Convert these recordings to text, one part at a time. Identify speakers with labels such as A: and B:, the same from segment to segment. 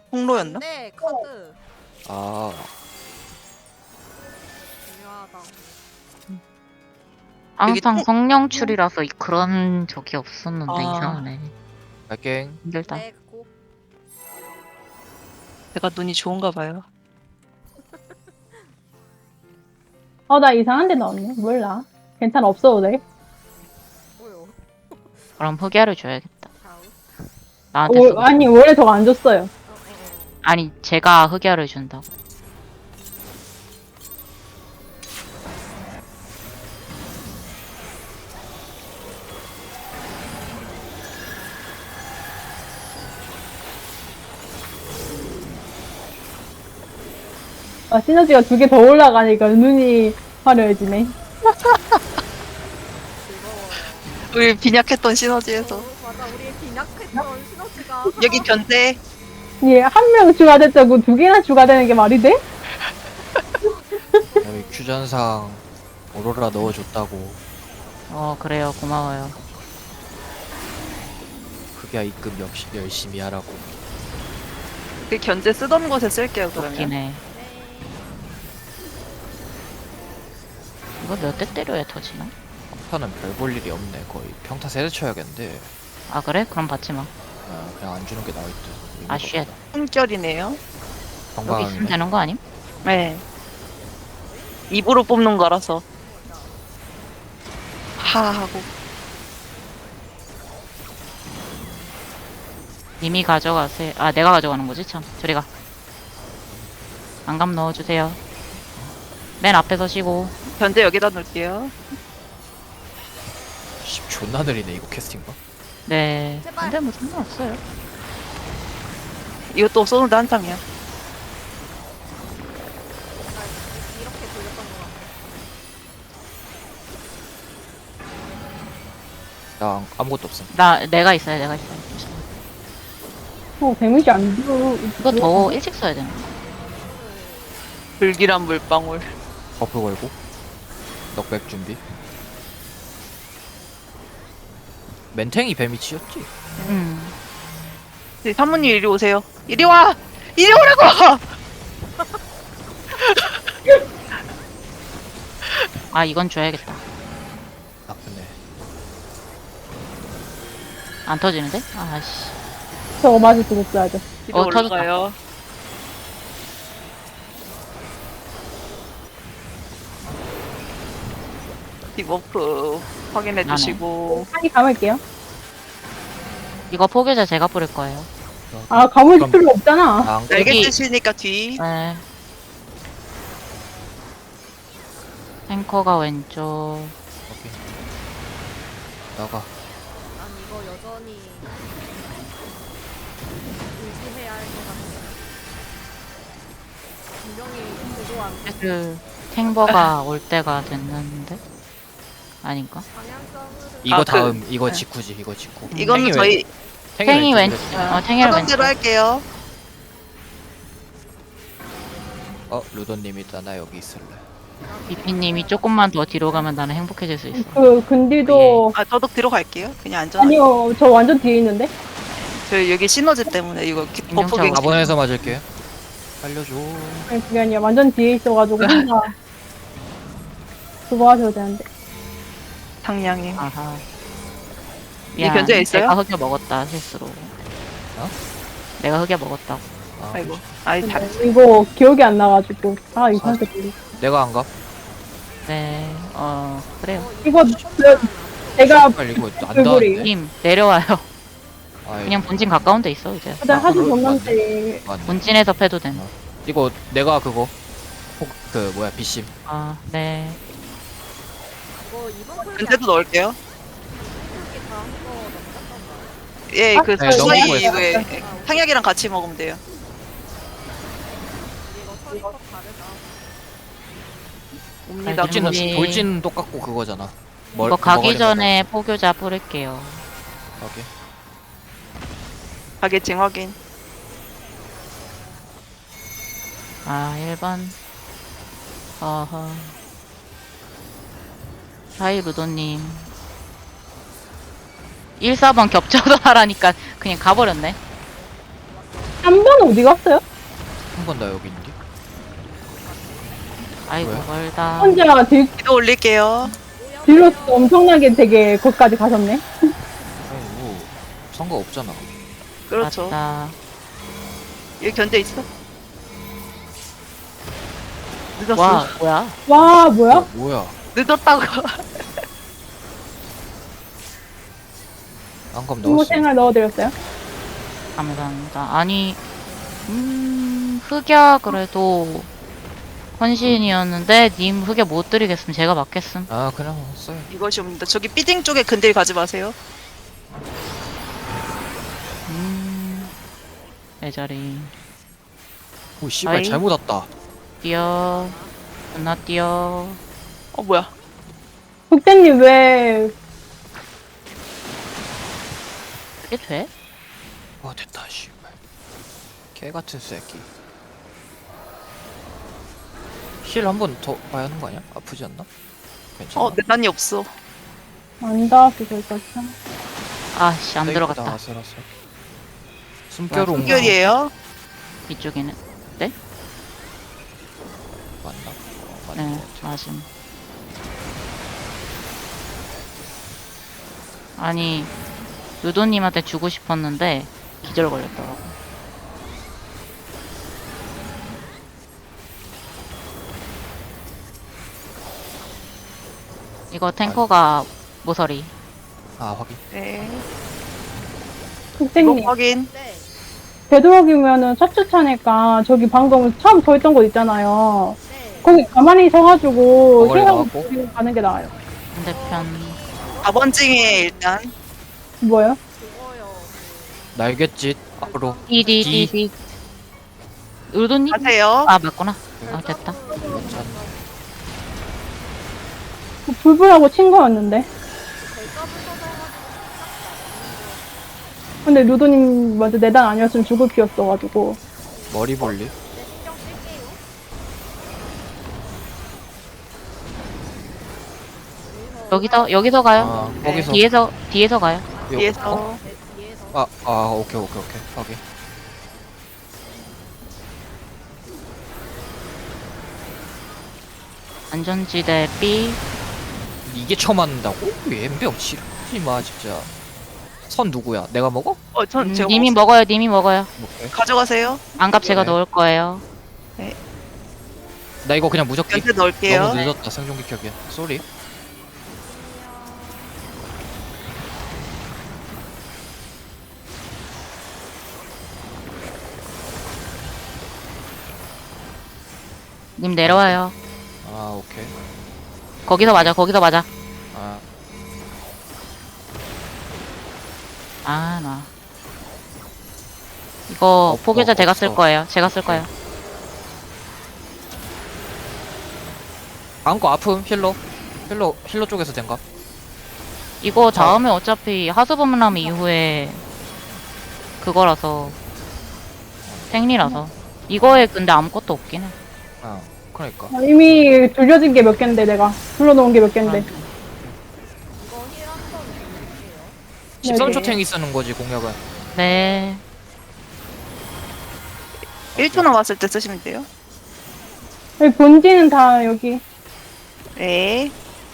A: 홍로였나?
B: 네, 카드
C: 아,
B: 중요하다.
D: 항상
A: 통-
D: 성령출이라서 그런 적이 없었는데
A: 아.
D: 이상하네.
C: 갈갱.
D: 힘들다.
B: 네, 고.
A: 내가 눈이 좋은가 봐요.
E: 나 이상한 데 넣었네. 몰라. 괜찮아, 없어도 돼.
B: 뭐요?
D: 그럼 흑야를 줘야겠다.
B: 다우.
D: 나한테 쓰고.
E: 아니, 원래 저거 안 줬어요.
D: 아니 제가 흑야를 준다고.
E: 시너지가 2개 더 올라가니까 눈이 화려해지네.
B: 즐거워요.
A: 우리 빈약했던 시너지에서
B: 맞아, 우리 빈약했던 시너지가.
A: 여기 견제.
E: 예, 한 명 추가됐자고 2개나 추가되는 게 말이 돼?
C: 여기 큐전상 오로라 넣어줬다고.
D: 그래요. 고마워요.
C: 그게 입금 역시 열심히 하라고.
A: 그 견제 쓰던 곳에 쓸게요 그러면.
D: 웃기네. 이거 몇 대 때려야 터지나?
C: 평타는 별 볼 일이 없네. 거의 평타 세대 쳐야겠는데.
D: 아 그래? 그럼 받지 마.
C: 그냥 안 주는 게 나을 듯.
D: 아 쉣.
A: 품결이네요.
D: 여기 있으면
C: 건강하네.
D: 되는 거 아님?
A: 네. 입으로 뽑는 거라서. 하하고.
D: 이미 가져가세요. 아 내가 가져가는 거지 참. 저리 가. 안감 넣어주세요. 맨 앞에 서시고.
A: 견제 여기다 놓을게요.
C: 씨, 존나 느리네 이거 캐스팅가.
D: 네.
B: 제발.
D: 근데 뭐 상관없어요.
A: 이것도 쏘는데 한참이야.
B: 이렇게 돌렸던 것 같아.
C: 나 아무것도 없음.
D: 내가 있어요. 내가 있어요.
E: 데미지 안 줘.
D: 이거 더 일찍 써야 되는 거.
A: 불길한 물방울.
C: 버프 걸고. 넉백 준비. 멘탱이 뱀이치였지?
A: 네, 사모님 이리 오세요. 이리 와! 이리 오라고!
D: 아 이건 줘야겠다.
C: 나쁘네.
D: 안 터지는데? 아씨.
E: 저거 맞을 수 없어야죠.
A: 이리
D: 터졌다.
A: 올라가요. 디버프 확인해
D: 나네.
A: 주시고.
E: 한이 감을게요.
D: 이거 포교자 제가 뿌릴 거예요.
E: 감을
C: 그럼-
E: 필요 없잖아.
C: 나안
A: 날개
D: 여기-
A: 뜨시니까 뒤.
D: 네. 탱커가 왼쪽.
C: 오케이. 나가.
B: 난 이거 여전히 의지해야 할 것 같아. 분명히 그거 안 돼.
D: 그 탱버가 올 때가 됐는데 아닌가?
B: 방향성을.
C: 이거
A: 그-
C: 다음 이거
A: 네.
C: 직후지 이거 직후.
A: 이거는
C: 탱이
A: 저희
D: 탱이 왼.
C: 왼쪽이랬지.
D: 탱이
A: 하던
D: 왼쪽.
A: 대로 할게요.
C: 루도님 일단 나 여기 있을래.
D: 비피님이 조금만 더 뒤로 가면 나는 행복해질 수 있어.
E: 근딜도
A: 아, 저도 들어갈게요. 그냥 안전하게.
E: 아니요, 저 완전 뒤에 있는데.
A: 저 여기 시너지 때문에 이거 버프
D: 인정차고.
A: 갱
C: 4번에서 맞을게. 살려줘.
E: 아니, 그게 아니라 완전 뒤에 있어가지고 혼자 그거 하셔도 되는데.
A: 상냥해.
D: 아하.
A: 이 견제 있어요?
D: 내가 흑여 먹었다 실수로.
C: 어?
D: 내가 흑여 먹었다고.
A: 아이고. 아이 다.
E: 이거 기억이 안 나가지고. 이상하게 들리.
C: 내가 안 가?
D: 네. 그래요.
E: 이거 내가
C: 빨리 이거 안
E: 얼굴이.
C: 닿았네.
D: 님 내려와요.
C: 아이,
D: 그냥 본진 가까운 데 있어 이제.
E: 일단 하도
C: 그럴 것
E: 줬는데
C: 맞네.
D: 본진에서 패도 됨.
C: 이거 내가 그거 그 뭐야 비심.
D: 아 네.
B: 이거 이번 콜
A: 근데도 넣을게요.
B: 이렇게 다한 거 넘겼던 거야.
A: 예, 그
C: 네, 넘기고
A: 저희
C: 있어요.
A: 왜 상약이랑 같이 먹으면 돼요.
B: 이거 처리법 다르다.
A: 옵니다.
D: 알죠.
C: 돌진 돌진 똑같고 그거잖아.
D: 이거 가기 전에 포교자 뿌릴게요.
C: 오케이.
A: 가게증 확인.
D: 아 1번. 어허. 하이 루도님. 1, 4번 겹쳐서 하라니까 그냥 가버렸네.
E: 3번은 어디 갔어요?
C: 한 번 나 여기 있는데.
D: 아이고
C: 뭐야?
D: 멀다.
E: 혼자
A: 기도 올릴게요.
E: 뒤로 엄청나게 되게 거기까지 가셨네.
C: 아니 뭐 상관없잖아.
A: 그렇죠.
D: 맞다.
A: 여기 견제 있어? 늦었어.
D: 와 뭐야?
E: 와, 뭐야?
C: 뭐야?
A: 늦었다고.
C: 안감
E: 친구
C: 넣었어.
E: 생활 넣어드렸어요.
D: 감사합니다. 아니 흑야 그래도 헌신이었는데 님 흑야 못 드리겠음. 제가 맞겠음.
C: 아 그냥 써요.
A: 이것이 옵니다. 저기 삐딩 쪽에 근딜 가지 마세요.
D: 내 자리.
C: 오 씨발
A: 아이.
C: 잘못 왔다.
D: 뛰어. 존나 뛰어.
A: 뭐야.
E: 국대님 왜
D: 이게 돼?
C: 됐다 씨발. 개 같은 새끼. 힐 한 번 더 봐야 하는 거 아니야? 아프지 않나? 괜찮아.
A: 내단이 없어.
E: 안 닿았어, 저기까지.
D: 아씨 안
C: 떼기보다
D: 들어갔다.
C: 아슬아슬. 숨결 온 거.
A: 숨결이에요.
D: 이쪽에는.
C: 맞나? 맞는
D: 네
C: 거 같아.
D: 맞음. 아니 유도님한테 주고 싶었는데 기절 걸렸더라고. 이거 탱커가 모서리.
C: 아 확인.
A: 네.
E: 국대님,
A: 이거 확인.
B: 네.
E: 되도록이면은 첫주차니까 저기 방금 처음 서 있던 곳 있잖아요.
B: 네.
E: 거기 가만히 서가지고
C: 거기
E: 생각을
C: 나왔고?
E: 드리고 가는 게 나아요.
D: 반대편.
A: 4번 징에 일단.
E: 뭐요?
B: 그거요.
C: 날갯짓 앞으로.
D: 디디디디. 유도님?
A: 가세요.
D: 아 맞구나. 아 됐다.
C: 괜찮.
E: 불불하고 친 거였는데.
B: 결과부터 써가지고
E: 근데 루도님 먼저 내단 아니었으면 죽을 피였어가지고.
C: 머리 볼리.
B: 네, 신경 쓸게요.
D: 여기서 가요.
C: 아 거기서.
D: 뒤에서 가요.
C: 요-
A: 뒤에서.
C: 어?
B: 네, 뒤에서.
C: 오케이 확인.
D: 안전지대 B.
C: 이게 처음 맞는다고? 엠병 싫지 마 진짜. 선 누구야? 내가 먹어?
A: 전 제가
D: 님이
A: 먹었어요.
D: 먹어요. 님이 먹어요.
C: 오케이.
A: 가져가세요.
D: 안갑 제가
C: 네.
D: 넣을 거예요.
C: 나 이거 그냥 무적기.
A: 견제 넣을게요.
C: 너무 늦었다 생존기 켜기엔. 쏘리.
D: 님 내려와요.
C: 아 오케이.
D: 거기서 맞아.
C: 아
D: 아 나. 이거 포기자 제가 쓸
C: 없어.
D: 거예요. 제가 쓸 거예요.
C: 다음 거 아픔 힐러 쪽에서 된가?
D: 이거 다음에 어차피 하수범람 이후에 그거라서 생리라서 이거에 근데 아무것도 없긴 해.
C: 아 그러니까.
E: 이미 돌려진 게 몇 갠데, 내가. 불러놓은 게 몇 갠데.
B: 이거 힐한번 드릴게요.
C: 13초 탱이 쓰는 거지 공략은.
D: 네.
A: 1초 남았을 때 쓰시면 돼요.
E: 여기 본지는 다 여기.
A: 네.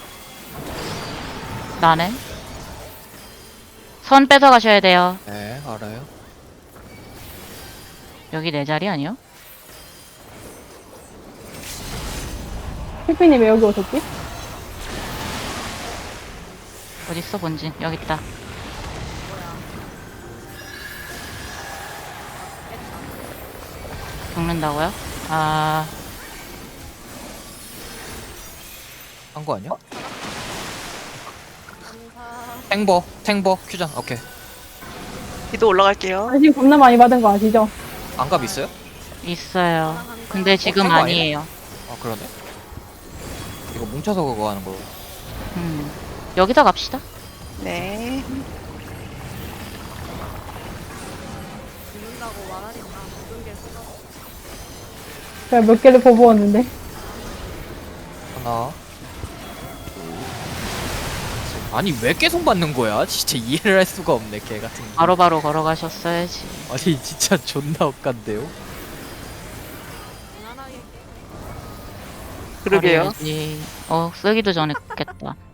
D: 나는 선 뺏어 가셔야 돼요.
C: 네 알아요.
D: 여기 내 자리 아니요?
E: 피피님 왜 여기 오셨지?
D: 어딨어 본진? 여기 있다. 죽는다고요? 아
C: 한 거 아니야?
B: 감사.
C: 탱버 큐장 오케이.
A: 기도 올라갈게요.
E: 관심 겁나 많이 받은 거 아시죠?
C: 안갑 있어요?
D: 있어요. 근데 지금
C: 그거
D: 아니에요.
C: 아 그러네. 이거 뭉쳐서 그거 하는 거.
D: 여기다 갑시다.
A: 네.
B: 죽는다고 말하니까 모든 게 쓰러져.
E: 제가 몇 개를 퍼부었는데.
C: 하나 둘 셋. 아니 왜 계속 맞는 거야? 진짜 이해를 할 수가 없네 개 같은 거.
D: 바로바로 걸어가셨어야지.
C: 아니 진짜 존나 억간데요?
B: 무난하게 깨.
A: 그러게요.
D: 버려야지. 쓰기도 전에 깼다.